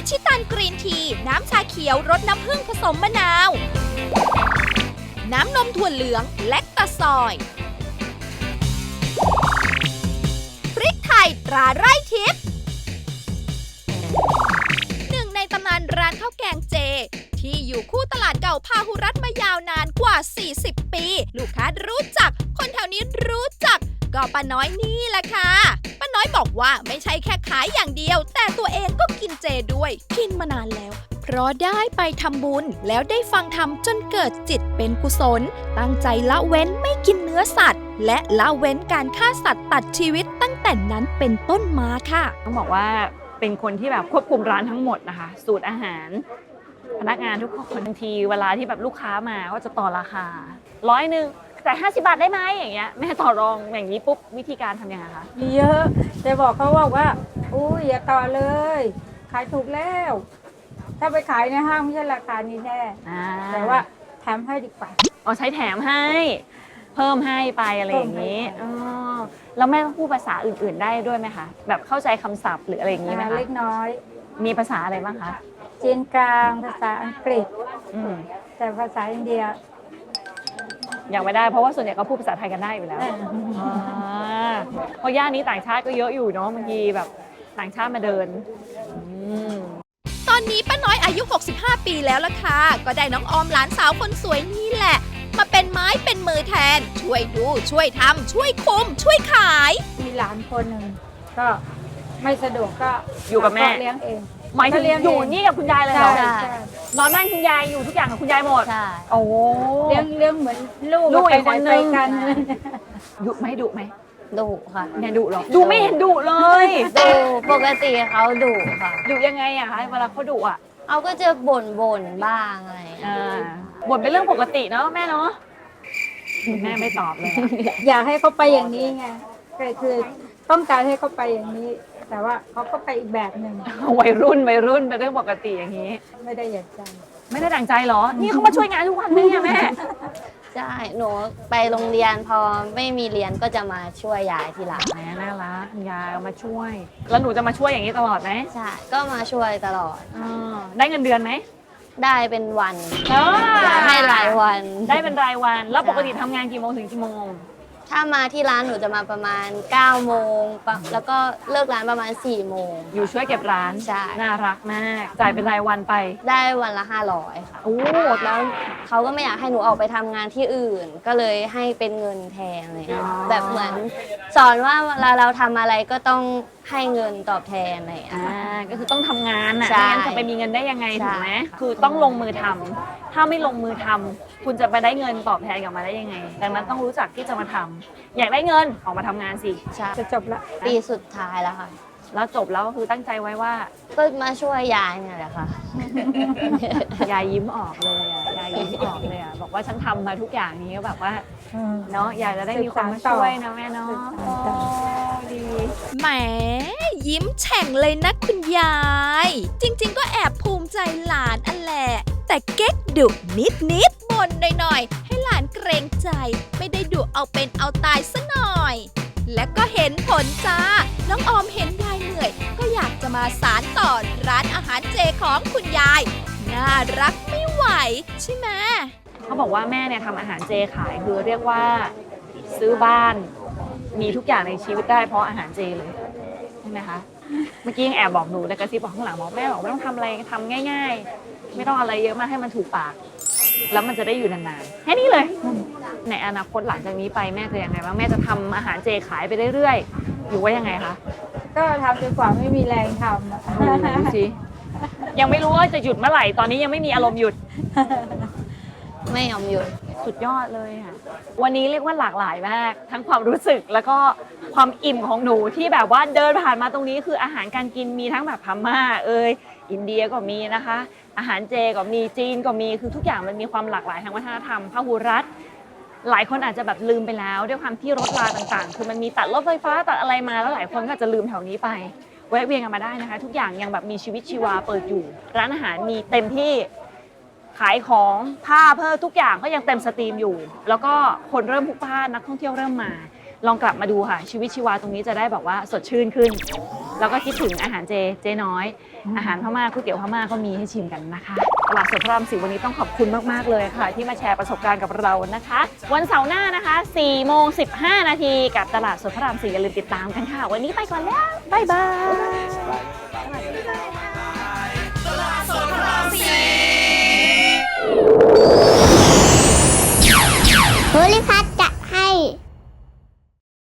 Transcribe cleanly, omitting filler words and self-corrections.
ชิตันกรีนทีน้ำชาเขียวรสน้ำผึ้งผสมมะนาว น้ำนมถั่วเหลืองแลคตาซอยพริกไทยตราไร่ทิพย์หนึ่งในตำนานร้านข้าวแกงเจที่อยู่คู่ตลาดเก่าพาหุรัตน์มายาวนานกว่า 40 ปี ลูกค้ารู้จัก คนแถวนี้รู้จัก ก็ป้าน้อยนี่แหละค่ะ ป้าน้อยบอกว่าไม่ใช่แค่ขายอย่างเดียว แต่ตัวเองก็กินเจด้วย กินมานานแล้ว เพราะได้ไปทำบุญแล้วได้ฟังธรรมจนเกิดจิตเป็นกุศล ตั้งใจละเว้นไม่กินเนื้อสัตว์ และละเว้นการฆ่าสัตว์ตัดชีวิตตั้งแต่นั้นเป็นต้นมาค่ะต้องบอกว่าเป็นคนที่แบบควบคุมร้านทั้งหมดนะคะสูตรอาหารพนักงานทุกคนบางทีเวลาที่แบบลูกค้ามาก็จะต่อราคา100แต่50 บาทได้ไหมอย่างเงี้ยแม่ต่อรองอย่างนี้ปุ๊บวิธีการทำยังไงคะมีเยอะแต่บอกเขาว่าอุ้ยอย่าต่อเลยขายถูกแล้วถ้าไปขายในห้างไม่ใช่ราคานี้แน่แต่ว่าแถมให้ดีกว่าใช้แถมให้เพิ่มให้ไปอะไรอย่างนี้แล้วแม่ต้องพูดภาษาอื่นๆได้ด้วยไหมคะแบบเข้าใจคำศัพท์หรืออะไรอย่างนี้ไหมคะเล็กน้อยมีภาษาอะไรบ้างคะจีนกลางภาษาอังกฤษแต่ภาษาอินเดียยังไม่ได้เพราะว่าส่วนใหญ่ก็พูดภาษาไทยกันได้อยู่แล้วเพราะย่านนี้ต่างชาติก็เยอะอยู่เนาะบางทีแบบต่างชาติมาเดินตอนนี้ป้าน้อยอายุ 65 ปีแล้วล่ะค่ะก็ได้น้องออมหลานสาวคนสวยนี่แหละมาเป็นไม้เป็นมือแทนช่วยดูช่วยทำช่วยคุมช่วยขายมีหลานคนหนึ่งก็ไม่สะดวกก็อยู่กับแม่เลี้ยงเองหมายถึงอยู่นี่กับคุณยายเลยเหรอนอนนั่งคุณยายอยู่ทุกอย่างกับคุณยายหมดโอ้เลี้ยงเหมือนลูกอีกคนนึงดุไหมดุค่ะเนี่ยดุหรอดูไม่เห็นดุเลยดุปกติเขาดุค่ะดุยังไงอะคะเวลาเขาดุอะเขาก็จะบ่นบ้างอะไรบ่นเป็นเรื่องปกติเนาะแม่เนาะแม่ไม่ตอบเลยอยากให้เขาไปอย่างนี้ไงคือต้องการให้เขาไปอย่างนี้แต่ว่าเขาก็ไปอีกแบบหนึ่งวัยรุ่นเป็นเรื่องปกติอย่างนี้ไม่ได้อยากใจไม่ได้ดั่งใจหรอนี่เขามาช่วยงานทุกวันไหมเนี่ยแม่ใช่หนูไปโรงเรียนพอไม่มีเรียนก็จะมาช่วยยายทีหลังแม่น่ารักยายมาช่วยแล้วหนูจะมาช่วยอย่างนี้ตลอดไหมใช่ก็มาช่วยตลอดได้เงินเดือนไหมได้เป็นวันให้รายวันได้เป็นรายวันแล้วปกติทำงานกี่โมงถึงกี่โมงถ้ามาที่ร้านหนูจะมาประมาณ9 โมงแล้วก็เลิกร้านประมาณ4 โมงอยู่ช่วยเก็บร้านใช่น่ารักมากจ่ายเป็นรายวันไปได้วันละ500ค่ะแล้วเขาก็ไม่อยากให้หนูออกไปทำงานที่อื่นก็เลยให้เป็นเงินแทนเลยแบบเหมือนสอนว่าเวลาเราทำอะไรก็ต้องให้เงินตอบแทนอะไรก็คือต้องทำงานน่ะไม่งั้นจะไปมีเงินได้ยังไงถูกไหมคือต้องลงมือทำถ้าไม่ลงมือทำคุณจะไปได้เงินตอบแทนกลับมาได้ยังไงดังนั้นต้องรู้จักที่จะมาทำอยากได้เงินออกมาทำงานสิจะจบละปีสุดท้ายแล้วค่ะแล้วจบแล้วก็คือตั้งใจไว้ว่าก็มาช่วยยายเนี่ยแหละค่ะยายยิ้มออกเลยยายยิ้มออกเลยบอกว่าฉันทำมาทุกอย่างนี้ก็แบบว่าเนาะอยากจะได้มีคนมาช่วยนะแม่เนาะดีแหมยิ้มแฉ่งเลยนะคุณยายจริงๆก็แอบภูมิใจหลานอันแหละแต่เก๊กดุนิดบ่นหน่อยๆให้หลานเกรงใจไม่ได้ดุเอาเป็นเอาตายซะหน่อยและก็เห็นผลจ้าน้องออมเห็นยายเหนื่อยก็อยากจะมาสานต่อร้านอาหารเจของคุณยายน่ารักไม่ไหวใช่ไหมเขาบอกว่าแม่เนี่ยทำอาหารเจขายคือเรียกว่าซื้อบ้านมีทุกอย่างในชีวิตได้เพราะอาหารเจเลยใช่ไหมคะเมื่อกี้ยังแอบบอกหนูในกระซิบบอกข้างหลังบอกแม่บอกไม่ต้องทำอะไรทำง่ายๆไม่ต้องอะไรเยอะมากให้มันถูกปากแล้วมันจะได้อยู่นานๆแค่นี้เลยในอนาคตหลังจากนี้ไปแม่จะยังไงบ้างแม่จะทำอาหารเจขายไปเรื่อยๆอยู่ว่ายังไงคะก็ทำจนกว่าไม่มีแรงทำดูสิยังไม่รู้ว่าจะหยุดเมื่อไหร่ตอนนี้ยังไม่มีอารมณ์หยุดไม่ยอมหยุดสุดยอดเลยค่ะวันนี้เรียกว่าหลากหลายมากทั้งความรู้สึกแล้วก็ความอิ่มของหนูที่แบบว่าเดินผ่านมาตรงนี้คืออาหารการกินมีทั้งแบบพม่าอินเดียก็มีนะคะอาหารเจก็มีจีนก็มีคือทุกอย่างมันมีความหลากหลายทางวัฒนธรรมพหุรัฐหลายคนอาจจะแบบลืมไปแล้วด้วยความที่รถราต่างๆคือมันมีตัดรถไฟฟ้าตัดอะไรมาแล้วหลายคนก็อาจจะลืมแถวนี้ไปแวะเวียนกันมาได้นะคะทุกอย่างยังแบบมีชีวิตชีวาเปิดอยู่ร้านอาหารมีเต็มที่ขายของผ้าเพิ่มทุกอย่างก็ยังเต็มสตรีมอยู่แล้วก็คนเริ่มพลุกพล่านนักท่องเที่ยวเริ่มมาลองกลับมาดูค่ะชีวิตชีวาตรงนี้จะได้แบบว่าสดชื่นขึ้นแล้วก็คิดถึงอาหารเจน้อย อาหารพม่าก๋วยเตี๋ยวพม่าก็มีให้ชิมกันนะคะตลาดสดพระราม4วันนี้ต้องขอบคุณมากๆเลยค่ะ ที่มาแชร์ประสบการณ์กับเรานะคะ วันเสาร์หน้านะคะ4:15 นาทีกับตลาดสดพระราม4อย่าลืมติดตามกันค่ะ วันนี้ไปก่อนแล้วบ๊ายบายตลาดสดพระราม 4